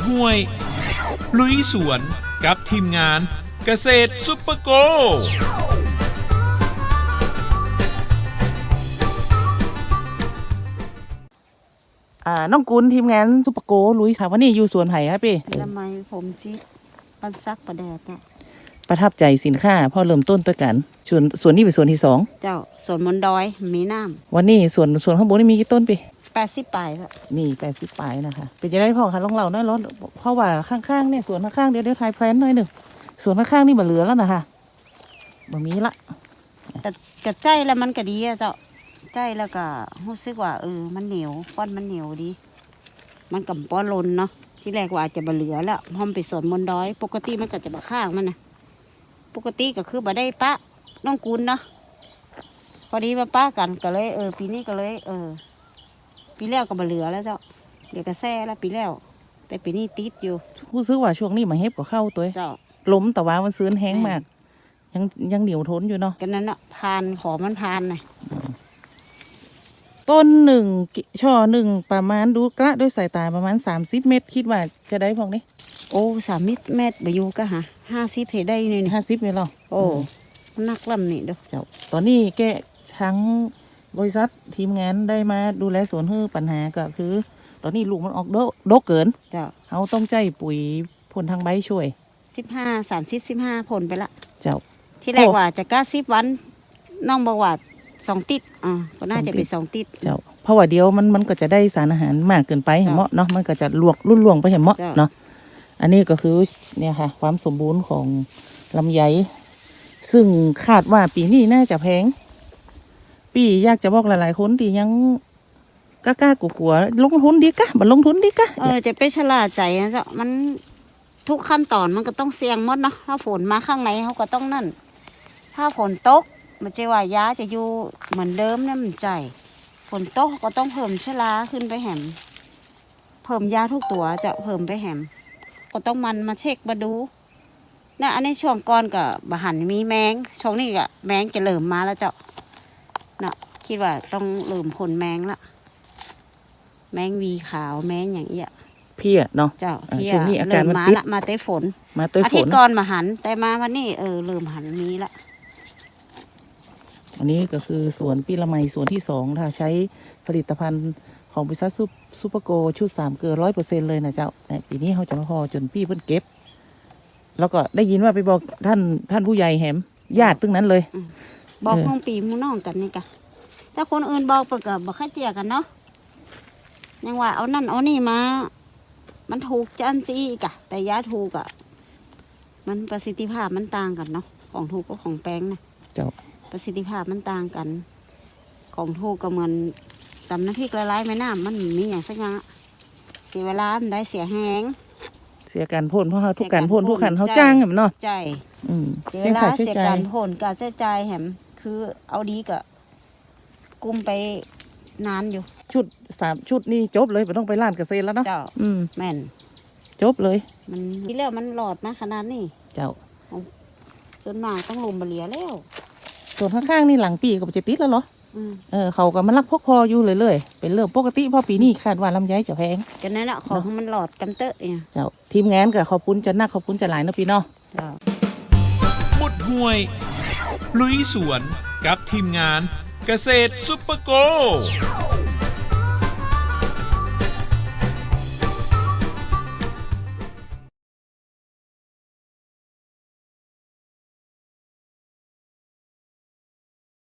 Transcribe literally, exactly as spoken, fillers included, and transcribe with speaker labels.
Speaker 1: ห้วยลุยสวนกับทีมงานเกษตรซุปเปอร์โก
Speaker 2: อ่าน้องกุลทีมงานซุปเปอร์โกลุยค่ะวันนี้อยู่สวนไผ่ครับพี่
Speaker 3: ทำไมผมจิ๊บปันซักประแดดอ่ะ
Speaker 2: ประทับใจสินค้าพอเริ่มต้นตัวกันส่วนส่วนนี้เป็นส่วนที่สอง
Speaker 3: เจ้าสวนมนดอยมีน้
Speaker 2: วันนี้ส่วนส่วนข้างบนนี่มีกี่ต้นพี่
Speaker 3: ำแปดสิบปลายละ
Speaker 2: นี่แปดสิบปลายนะคะเป็นจะได้พ่อคะลองเล่าหน่อยร้อนเพราะว่าข้างๆเนี่ยสวนข้างๆเดี๋ยวเดี๋ยวทายแพลนหน่อยหนึ่งสวนข้างๆนี่มาเหลือแล้วนะคะมามีละ
Speaker 3: แต่กระใจแล้วมันก็ดีอะเจ้าใจแล้วก็รู้สึกว่าเออมันเหนียวป้อนมันเหนียวดี มันกับป้อนลนเนาะที่แรกว่าอาจจะบะเหลือแล้วพอมไปสวนมนดอย ปกติมันก็จะบะข้างมันนะปกติก็คือบะได้ปะน้องกุลเนาะพอดีมาป้ากันก็เลยเออปีนี้ก็เลย เออ ปีแล้วก็บะเหลือแล้วเจ้าเดี๋ยวก็แซ่แล้วปีแล้ว แต่ปีนี้ติดอยู่
Speaker 2: รู้สึกว่าช่วงนี้มาเฮ็บก็เข้าตัว
Speaker 3: เจ้า
Speaker 2: ล้มแต่ว่ามันซื้อแห้งมาก ยังยังเหนียวทนอยู่เนาะ
Speaker 3: กันนั้นเนาะพานขอมันพานน่ะ
Speaker 2: ต้นหนึ่งกิช่อหนึ่งประมาณดูกระด้วยสายตาประมาณสามสิบเมตรคิดว่าจะได้พองนี้
Speaker 3: โอ้สามมิตรเมตรบายูก็หาห้าสิบเทได้นี่นี่
Speaker 2: ห้าสิบเมตรหรอ
Speaker 3: โอ้มันนักลำนี่เด้อ
Speaker 2: เจ้าตอนนี้แกทั้งบริษัททีมงานได้มาดูแลสวนฮื้อปัญหาก็คือ ตอนนี้ลูกมันออกโดโดกเกิน
Speaker 3: เจ้า
Speaker 2: เขาต้องใจปุ๋ยพ่นทางใบช่วย
Speaker 3: สิบห้าสามสิบสิบห้าผลไปละ
Speaker 2: เจ้า
Speaker 3: ที่แรกว่าจะก้าสิบวันน้องบอกว่าสองติดอ่าก็น่าจะเป็นสองติด
Speaker 2: เจ้าเพราะว่าเดียวมันมันก็จะได้สารอาหารมากเกินไปเห็นเหมาะเนาะมันก็จะลวกรุ่นลวงไปเห็นเหมาะ
Speaker 3: เจ้า
Speaker 2: เนาะอันนี้ก็คือเนี่ยค่ะ ความสมบูรณ์ของลำไยซึ่งคาดว่าปีนี้น่าจะแพง ปีอยากจะบอกหลายๆคนที่ยังกล้าๆกลัวๆลงทุนดีกะบัลงทุนดีกะ
Speaker 3: เออจะไปชะล่าใจนะเจ้ามันทุกขั้นตอนมันก็ต้องเสี่ยงหมดเนาะถ้าฝนมาข้างในเขาก็ต้องนั่น ถ้าฝนตกมันจะว่ายาจะอยู่เหมือนเดิมเนี่ยมันใจฝนตกก็ต้องเพิ่มชะลาขึ้นไปแหมเพิ่มยาทุกตัวจะเพิ่มไปแหมก็ต้องมันมาเช็คมาดูนะอันนี้ช่วงก่อนกับบะหันมีแมงช่วงนี้ก็แมงจะเริ่มมาแล้วเจ้านะคิดว่าต้องเริ่มผลแมงละแมงวีขาวแมงอย่างเงี้ย
Speaker 2: พี่อะเนาะ
Speaker 3: เจ้า
Speaker 2: อ่า
Speaker 3: พี่
Speaker 2: ช่วงนี้อา
Speaker 3: เริ่
Speaker 2: การ
Speaker 3: ม
Speaker 2: มัน
Speaker 3: มา
Speaker 2: ปิด
Speaker 3: ละมาเต้ฝน
Speaker 2: มาตัว
Speaker 3: อา
Speaker 2: ฝ
Speaker 3: ทิต
Speaker 2: น
Speaker 3: ย์ก่อนมาหันแต่มาวันนี้เออเริ่มหันมีละ
Speaker 2: อันนี้ก็คือสวนปีละไมสวนที่สองถ้าใช้ผลิตภัณฑ์ของบริษัทซูเปอร์โกชุดสามเกลือร้อยเปอร์เซ็นเลยนะเจ้าเนี่ยปีนี้เขาจะมาพอจนพี่เพิ่นเก็บ แล้วก็ได้ยินว่าไปบอกท่านท่านผู้ใหญ่แหมญาติตึงนั้นเลย
Speaker 3: บอก
Speaker 2: เออ
Speaker 3: น้องปีหมูน้องกันนี่กะถ้าคนอื่นบอกเปิดกับบอกข้าเจียกันเนาะยังว่าเอานั่นเอานี่มา มันถูกจันซีอีกอะแต่ยาถูกอะมันประสิทธิภาพมันต่างกันเนาะของถูกกับของแป้งนะ
Speaker 2: เจ้า
Speaker 3: ประสิทธิภาพมันต่างกัน ของถูกก็เหมือนตำน้ำพริกละลายแม่น้ำมันมีอย่างสักอย่างอะเสียเวลามันได้เสียแหง
Speaker 2: เสียการพ่นเพราะเขาทุกการพ่น
Speaker 3: เสียการพ่น
Speaker 2: ทุกขันเขา
Speaker 3: ใช่
Speaker 2: จ้างแหมเนาะ
Speaker 3: ใจ
Speaker 2: อืม
Speaker 3: เสีย
Speaker 2: เสี
Speaker 3: เวย ลา
Speaker 2: ค่าใช้
Speaker 3: เสีย
Speaker 2: จ่า
Speaker 3: กาย รผลการใช้จ่ายแหมคือเอาดีก็กุมไปนานอยู่
Speaker 2: ชุดสามชุดนี่จบเลยไม่ต้องไปร้านเกษตรแล้วเนาะ
Speaker 3: เจ้า
Speaker 2: อืม
Speaker 3: แม่น
Speaker 2: จบเลย
Speaker 3: มันที่แล้วมันหลอดมาขนาดนี้
Speaker 2: เจ้า
Speaker 3: จนมากต้องลมบะเหลียแล้ว
Speaker 2: ส่วนข้างๆนี่หลังปีก็จะติดแล้วเหรอ
Speaker 3: อืม
Speaker 2: เออเขาก็มาลักพกพออยู่เลยเลยๆเป็นเรื่องปกติเพราะปีนี้คาดว่าลำไยจะแพง
Speaker 3: กันนั้นแหละของมันหลอดกันเตอะเนี่ย
Speaker 2: เจ้าทีมงานก็ขอบคุณจะนักขอบคุณจะหลายเนาะพี่เนาะ
Speaker 3: เจ้า
Speaker 1: หมุดห้วย ลุยสวนกับทีมงานเกษตรซุปเปอร์โก